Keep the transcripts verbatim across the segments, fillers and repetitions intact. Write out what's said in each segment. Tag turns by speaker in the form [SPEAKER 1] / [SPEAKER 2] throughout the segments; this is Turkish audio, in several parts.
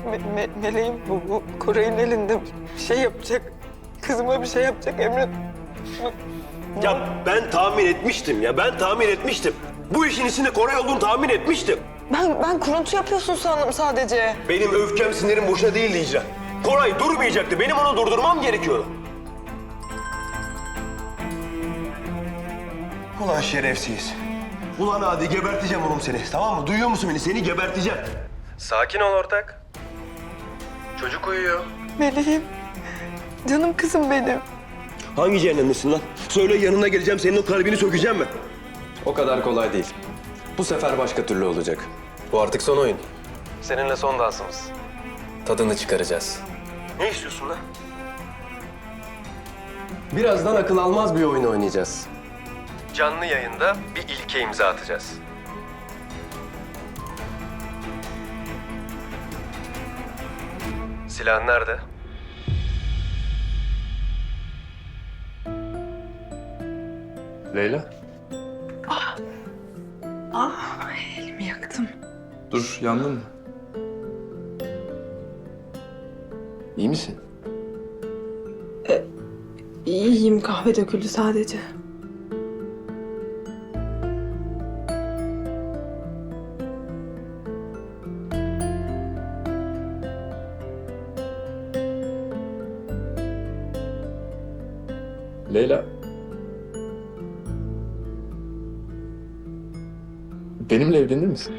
[SPEAKER 1] Me me meleğim bu, bu Koray'ın elinde bir şey yapacak. Kızıma bir şey yapacak Emre.
[SPEAKER 2] Ya ben tahmin etmiştim ya, ben tahmin etmiştim. Bu işin içinde Koray olduğunu tahmin etmiştim.
[SPEAKER 1] Ben, ben kuruntu yapıyorsun sandım sadece.
[SPEAKER 2] Benim öfkem, sinirim boşa değildi Hicran. Koray durmayacaktı, benim onu durdurmam gerekiyordu. Ulan şerefsiz. Ulan hadi geberteceğim oğlum seni, tamam mı? Duyuyor musun beni? Seni geberteceğim. Sakin ol ortak. Çocuk uyuyor.
[SPEAKER 1] Meleğim, canım kızım benim.
[SPEAKER 2] Hangi cehennemdesin lan? Söyle, yanına geleceğim, senin o kalbini sökeceğim mi?
[SPEAKER 3] O kadar kolay değil. Bu sefer başka türlü olacak. Bu artık son oyun. Seninle son dansımız. Tadını çıkaracağız.
[SPEAKER 2] Ne istiyorsun lan?
[SPEAKER 3] Birazdan akıl almaz bir oyun oynayacağız. Canlı yayında bir ilke imza atacağız. Silahın nerede? Leyla.
[SPEAKER 1] Ah, elimi yaktım.
[SPEAKER 4] Dur, yandın mı? İyi misin?
[SPEAKER 1] İyiyim, kahve döküldü sadece.
[SPEAKER 4] Leyla. Benimle evlenir misin?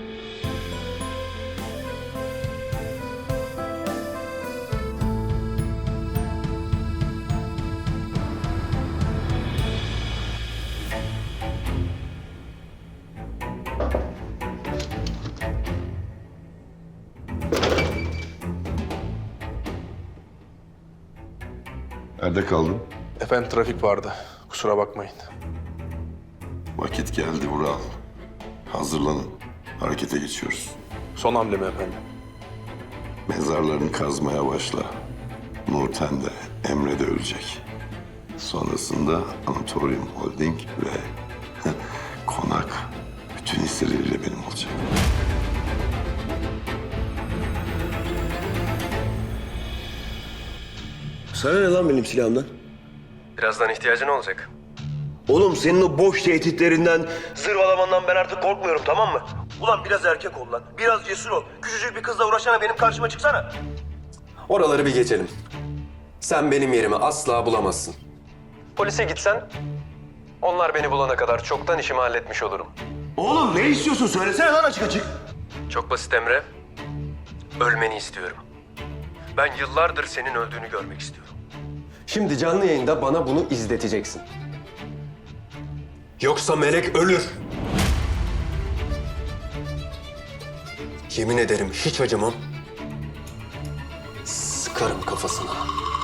[SPEAKER 5] Nerede kaldın?
[SPEAKER 6] Efendim trafik vardı. Kusura bakmayın.
[SPEAKER 5] Vakit geldi Vural. Hazırlanın. Harekete geçiyoruz.
[SPEAKER 6] Son hamle mi efendim?
[SPEAKER 5] Mezarlarını kazmaya başla. Nurten de, Emre de ölecek. Sonrasında Anatolium Holding ve konak bütün hisseleriyle benim olacak.
[SPEAKER 2] Sana ne lan benim silahımdan?
[SPEAKER 3] Birazdan ihtiyacın olacak.
[SPEAKER 2] Oğlum senin o boş tehditlerinden, zırvalamandan ben artık korkmuyorum, tamam mı? Ulan biraz erkek ol lan, biraz cesur ol. Küçücük bir kızla uğraşana benim karşıma çıksana.
[SPEAKER 3] Oraları bir geçelim. Sen benim yerimi asla bulamazsın. Polise gitsen, onlar beni bulana kadar çoktan işimi halletmiş olurum.
[SPEAKER 2] Oğlum ne istiyorsun? Söylesene lan açık açık.
[SPEAKER 3] Çok basit Emre. Ölmeni istiyorum. Ben yıllardır senin öldüğünü görmek istiyorum. Şimdi canlı yayında bana bunu izleteceksin. Yoksa Melek ölür. Yemin ederim hiç acımam. Sıkarım kafasına.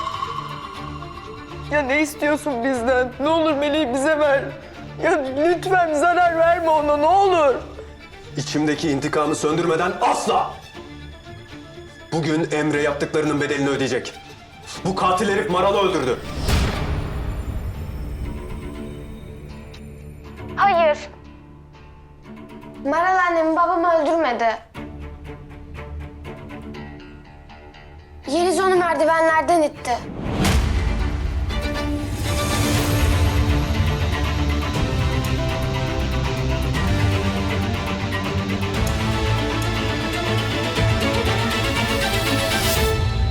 [SPEAKER 1] Ya ne istiyorsun bizden? Ne olur meleği bize ver. Ya lütfen zarar verme ona, ne olur.
[SPEAKER 3] İçimdeki intikamı söndürmeden asla! Bugün Emre yaptıklarının bedelini ödeyecek. Bu katil herif Maral'ı öldürdü.
[SPEAKER 7] Hayır. Maral annemi babam öldürmedi. Yeliz onu merdivenlerden itti.